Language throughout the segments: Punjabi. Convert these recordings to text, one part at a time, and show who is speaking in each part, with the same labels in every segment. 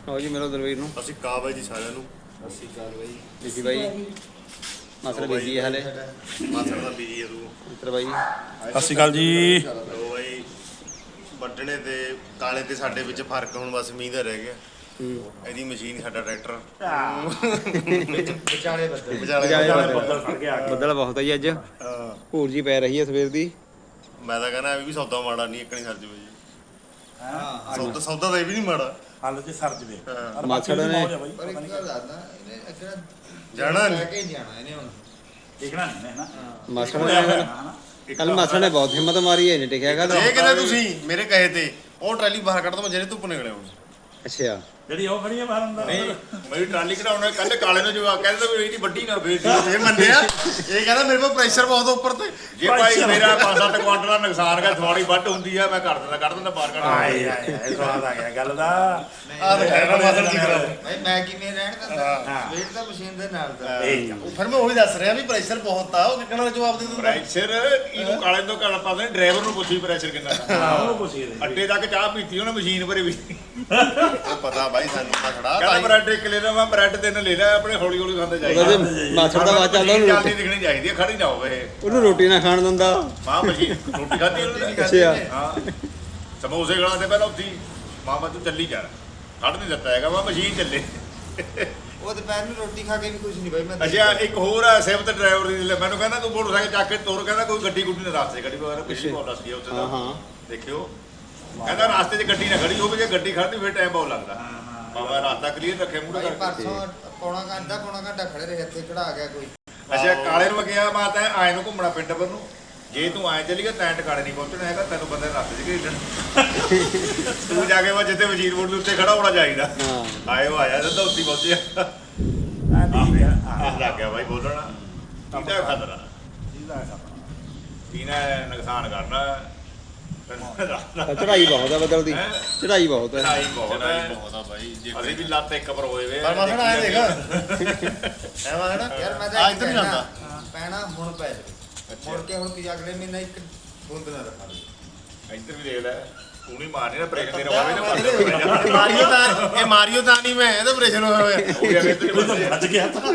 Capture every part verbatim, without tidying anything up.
Speaker 1: ਆਓ ਜੀ ਮਿਲੋ ਦਲਵੀਰ ਨੂੰ।
Speaker 2: ਅਸੀਂ ਕਾ ਬਾਈ ਜੀ ਸਾਰਿਆਂ ਨੂੰ।
Speaker 3: ਅਸੀਂ ਕਾਲ ਬਾਈ
Speaker 1: ਬੀਜੀ ਬਾਈ ਮਾਸੜ ਬੀਜੀ ਹੈ ਹਲੇ।
Speaker 2: ਮਾਸੜ ਦਾ ਬੀਜੀ ਹੈ ਤੂੰ।
Speaker 1: ਮਿੱਤਰ ਬਾਈ
Speaker 4: ਸਤਿ ਸ਼੍ਰੀ ਅਕਾਲ ਜੀ।
Speaker 2: ਉਹ ਬਾਈ ਵੱਢਣੇ ਤੇ ਕਾਲੇ ਤੇ ਸਾਡੇ ਵਿੱਚ ਫਰਕ ਹੁਣ ਬਸ ਮੀਂਹ ਦਾ ਰਹਿ ਗਿਆ। ਇਹਦੀ ਮਸ਼ੀਨ ਸਾਡਾ ਟਰੈਕਟਰ
Speaker 3: ਵਿਚਾਲੇ ਬੱਦਲ
Speaker 2: ਵਿਚਾਲੇ
Speaker 4: ਬੱਦਲ ਫੜ ਕੇ ਆ ਗਏ।
Speaker 1: ਬੱਦਲ ਬਹੁਤ ਹੈ ਜੀ ਅੱਜ।
Speaker 2: ਹਾਂ
Speaker 1: ਭੂਰ ਜੀ ਪੈ ਰਹੀ ਹੈ ਸਵੇਰ ਦੀ।
Speaker 2: ਮੈਂ ਤਾਂ ਕਹਿੰਦਾ ਇਹ ਵੀ ਸੌਦਾ ਮਾੜਾ ਨਹੀਂ ਇੱਕਣੀ ਸਰ ਜਵੇ ਜੀ।
Speaker 3: ਹਾਂ
Speaker 2: ਸੌਦਾ ਸੌਦਾ ਤਾਂ ਇਹ ਵੀ ਨਹੀਂ ਮਾੜਾ।
Speaker 4: ਹਾਲ ਚ ਸਰ ਜਵੇ
Speaker 2: ਹਾਂ।
Speaker 1: ਮਾਸੜ ਨੇ
Speaker 3: ਪਰ ਇੱਕ ਗੱਲ ਦੱਸਦਾ ਇਹਨੇ ਅਗਰ
Speaker 2: ਜਾਣਾ ਨੀ।
Speaker 3: ਲੈ ਕੇ ਨਹੀਂ ਜਾਣਾ ਇਹਨੇ ਹੁਣ
Speaker 4: ਦੇਖਣਾ ਨਹੀਂ ਹੈ ਨਾ
Speaker 1: ਮਾਸੜ ਨੇ ਕੱਲ ਮਾਸੜ ਨੇ ਬਹੁਤ ਹਿੰਮਤ ਮਾਰੀ ਹੈ, ਨਹੀਂ ਟਿਕਿਆ ਗੱਲ।
Speaker 2: ਇਹ ਕਹਿੰਦਾ ਤੁਸੀਂ ਮੇਰੇ ਕਹੇ ਤੇ ਉਹ ਟਰਾਲੀ ਬਾਹਰ ਕੱਢ ਦੋ ਮੈਂ ਜਿਹੜੇ ਧੁੱਪ ਨਿਕਲਿਆ ਹੁਣ।
Speaker 1: ਅੱਛਾ
Speaker 4: ਜਿਹੜੀ ਉਹ ਖੜੀ ਹੈ ਬਾਹਰ ਅੰਦਰ
Speaker 2: ਨਹੀਂ ਮੇਰੀ ਟਰਾਲੀ ਕਢਾਉਣਾ ਕੱਲ ਕਾਲੇ ਨੂੰ ਜਵਾਬ ਕਹਿੰਦਾ ਵੀ ਇਹਦੀ ਵੱਡੀ ਨਾ ਫੇਰ ਇਹ ਮੰਨਿਆ। ਇਹ ਕਹਿੰਦਾ ਮੇਰੇ ਕੋਲ ਪ੍ਰੈਸ਼ਰ ਬਹੁਤ ਉੱਪਰ ਤੇ ਜੇ ਭਾਈ ਮੇਰਾ ਪੰਜ ਸੱਤ ਕੁਆਂਟਲ ਦਾ ਨੁਕਸਾਨ ਕਰ ਥੋੜੀ ਵੱਢ ਹੁੰਦੀ ਆ ਮੈਂ ਕਰ ਦਿੰਦਾ ਕੱਢ ਦਿੰਦਾ ਬਾਹਰ ਕੱਢ
Speaker 4: ਆਏ ਆਏ ਇਹ ਸਵਾਦ ਆ ਗਿਆ ਗੱਲ ਦਾ।
Speaker 2: ਆ ਦੇਖਿਆ ਮਾਸੜ ਜੀ ਕਰਾ
Speaker 3: ਭਾਈ ਮੈਂ ਕਿਵੇਂ ਰਹਿਣ ਦਿੰਦਾ ਵੇਟ ਤਾਂ ਮਸ਼ੀਨ ਦੇ ਨਾਲ ਦਾ।
Speaker 2: ਉਹ ਫਿਰ ਮੈਂ ਉਹੀ ਦੱਸ ਰਿਹਾ ਵੀ ਪ੍ਰੈਸ਼ਰ ਬਹੁਤ ਆ ਉਹ ਕਿੰਨਾ ਦਾ ਜਵਾਬ ਦੇ ਦਿੰਦਾ। ਪ੍ਰੈਸ਼ਰ ਇਹਨੂੰ ਕਾਲੇ ਤੋਂ ਕਾਲਾ ਪਾ ਦੇ ਡਰਾਈਵਰ ਨੂੰ ਪੁੱਛੀ ਪ੍ਰੈਸ਼ਰ ਕਿੰਨਾ
Speaker 4: ਹਾਂ ਉਹ ਪੁੱਛੀ ਦੇ
Speaker 2: ਅੱਡੇ ਤੱਕ ਚਾਹ ਪੀਤੀ ਉਹਨੇ ਮਸ਼ੀਨ ਭਰੇ ਵੀ ਉਹ ਪਤਾ ਬਾਈ ਸਾਨੂੰ ਤਾਂ ਖੜਾ ਕਹਿੰਦਾ ਬ੍ਰੈਡ ਇੱਕ ਲੈ ਲੈ ਮੈਂ ਬ੍ਰੈਡ ਤਿੰਨ ਲੈ ਲੈ ਆਪਣੇ ਹੌਲੀ ਹੌਲੀ ਖਾਂਦੇ ਜਾਈਏ।
Speaker 1: ਉਹਦੇ ਮਾਸੜ ਦਾ ਬਾਤ ਚੱਲਦਾ ਉਹਨੂੰ
Speaker 2: ਜਲਦੀ
Speaker 1: ਰੋਟੀ
Speaker 2: ਦਿਖਣੀ ਚਾਹੀਦੀ ਹੈ ਖੜੀ ਨਾ ਹੋਵੇ ਇਹ।
Speaker 1: ਉਹਨੂੰ ਰੋਟੀ ਨਾ ਖਾਣ ਦਿੰਦਾ।
Speaker 2: ਮਾਂ ਮਸ਼ੀਨ ਰੋਟੀ ਖਾਧੀ ਉਹਨੇ
Speaker 1: ਅੱਛਾ
Speaker 2: ਹਾਂ ਸਮੋਸੇ ਗਲਾਂ ਤੇ ਪਹਿਲਾਂ ਉੱਥੀ ਮਾਮਾ ਤੂੰ ਚੱਲੀ ਜਾ ਖੜ ਨਹੀਂ ਦਿੱਤਾ ਹੈਗਾ ਮੈਂ ਮਸ਼ੀਨ ਚੱਲੇ।
Speaker 3: ਉਹ ਦੁਪਹਿਰ ਨੂੰ ਰੋਟੀ ਖਾ ਕੇ ਵੀ ਕੁਝ ਨਹੀਂ ਭਾਈ ਮੈਂ
Speaker 2: ਅੱਛਾ ਇੱਕ ਹੋਰ ਆ ਸਿਫਤ ਡਰਾਈਵਰ ਦੀ ਲੈ ਮੈਨੂੰ ਕਹਿੰਦਾ ਤੂੰ ਮੋਟਰਸਾਈਕਲ ਚੱਕ ਕੇ ਤੁਰ ਕਹਿੰਦਾ ਕੋਈ ਗੱਡੀ ਗੁੱਡੀ ਨਾ ਰਾਸਤੇ ਖੜੀ ਹੋਵੇ ਪਿੱਛੇ ਬਹੁਤ ਦੱਸਦੀ ਆ ਉੱਥੇ
Speaker 1: ਹਾਂ
Speaker 2: ਦਾ
Speaker 1: ਹਾਂ
Speaker 2: ਦੇਖਿਓ ਕਹਿੰਦਾ ਰਾਸਤੇ 'ਚ ਗੱਡੀ ਨਾ ਖੜੀ ਹੋਵੇ ਜੇ ਗੱਡੀ ਖੜਦੀ ਫਿਰ ਟਾਈਮ ਬਹੁਤ ਲੱਗਦਾ। ਬਾਬਾ ਰਾਸਤਾ ਕਲੀਅਰ ਰੱਖੇ ਮੂਹਰੇ
Speaker 3: ਭਾਈ
Speaker 2: ਕਰਕੇ।
Speaker 3: ਪਰਸੋਂ ਪੌਣਾ ਘੰਟਾ ਪੌਣਾ ਘੰਟਾ ਖੜੇ ਰਹੇ ਇੱਥੇ ਖੜਾ ਗਿਆ ਕੋਈ।
Speaker 2: ਅੱਛਾ ਕਾਲੇ ਨੂੰ ਗਿਆ ਮਾਤਾ ਆਏ ਨੂੰ ਘੁੰਮਣਾ ਪਿੰਡ ਪਰ ਨੂੰ ਜੇ ਤੂੰ ਆਏ ਚਲੀ ਗਿਆ ਤੈਂ ਟਿਕਾਣੇ ਨਹੀਂ ਪਹੁੰਚਣਾ ਹੈਗਾ ਤੈਨੂੰ ਬੰਦੇ ਰਸਤੇ 'ਚ ਘੇੜਨ ਤੂੰ ਜਾ ਕੇ ਵਾ ਜਿੱਥੇ ਵਜ਼ੀਰ ਬੋਰਡ ਦੇ ਉੱਤੇ ਖੜਾ ਹੋਣਾ ਚਾਹੀਦਾ।
Speaker 1: ਹਾਂ
Speaker 2: ਆਇਓ ਆਇਆ ਸਿੱਧਾ ਉੱਤੀ ਪਹੁੰਚਿਆ
Speaker 4: ਆ ਨਹੀਂ ਆ
Speaker 2: ਆਹ ਲੱਗ ਗਿਆ ਬਾਈ ਬੋਲਣਾ ਕਿਹਦਾ ਖਤਰਾ
Speaker 4: ਇਹਦਾ ਖਤਰਾ
Speaker 2: ਇਹਨੇ ਨੁਕਸਾਨ ਕਰਨਾ ਤੈਨੂੰ
Speaker 1: ਚੜਾਈ ਬਹੁਤ ਹੈ ਬੱਦਲ ਦੀ। ਚੜਾਈ ਬਹੁਤ ਹੈ।
Speaker 2: ਚੜਾਈ ਬਹੁਤ ਹੈ
Speaker 5: ਬਹੁਤ ਆ ਬਾਈ ਜੇ
Speaker 2: ਅਸੀਂ ਵੀ ਲੱਤ ਇੱਕ ਪਰ ਹੋਏ ਵੇ
Speaker 5: ਪਰ ਮਾਸੜ ਆਏ ਦੇਖ ਐਵੇਂ ਹੈ ਨਾ
Speaker 3: ਯਾਰ ਮੈਂ
Speaker 5: ਆ
Speaker 3: ਤਾਂ
Speaker 5: ਇੱਧਰ ਨਹੀਂ ਜਾਂਦਾ
Speaker 3: ਪੈਣਾ ਹੁਣ ਪੈ ਜਾਵੇ ਮੁੜ ਕੇ ਹੁਣ ਕੀ ਅਗਲੇ ਮਹੀਨੇ ਇੱਕ ਬੂੰਦ ਨਾ ਰੱਖਾ ਦੇ।
Speaker 2: ਇੱਧਰ ਵੀ ਦੇਖ ਲੈ ਤੂੰ ਨਹੀਂ ਮਾਰਨੀ ਨਾ ਬ੍ਰੇਕ ਤੇ ਰਵਾਵੇ ਨਾ ਮਾਰ
Speaker 5: ਇਹ ਮਾਰੀਓ ਤਾਂ ਇਹ ਮਾਰੀਓ ਤਾਂ ਨਹੀਂ ਮੈਂ ਇਹਦਾ ਆਪਰੇਸ਼ਨ ਹੋਇਆ ਹੋਇਆ
Speaker 2: ਉਹ ਵੀ ਇੱਧਰ
Speaker 4: ਉਹ ਤਾਂ ਵੱਜ ਗਿਆ ਤਾਂ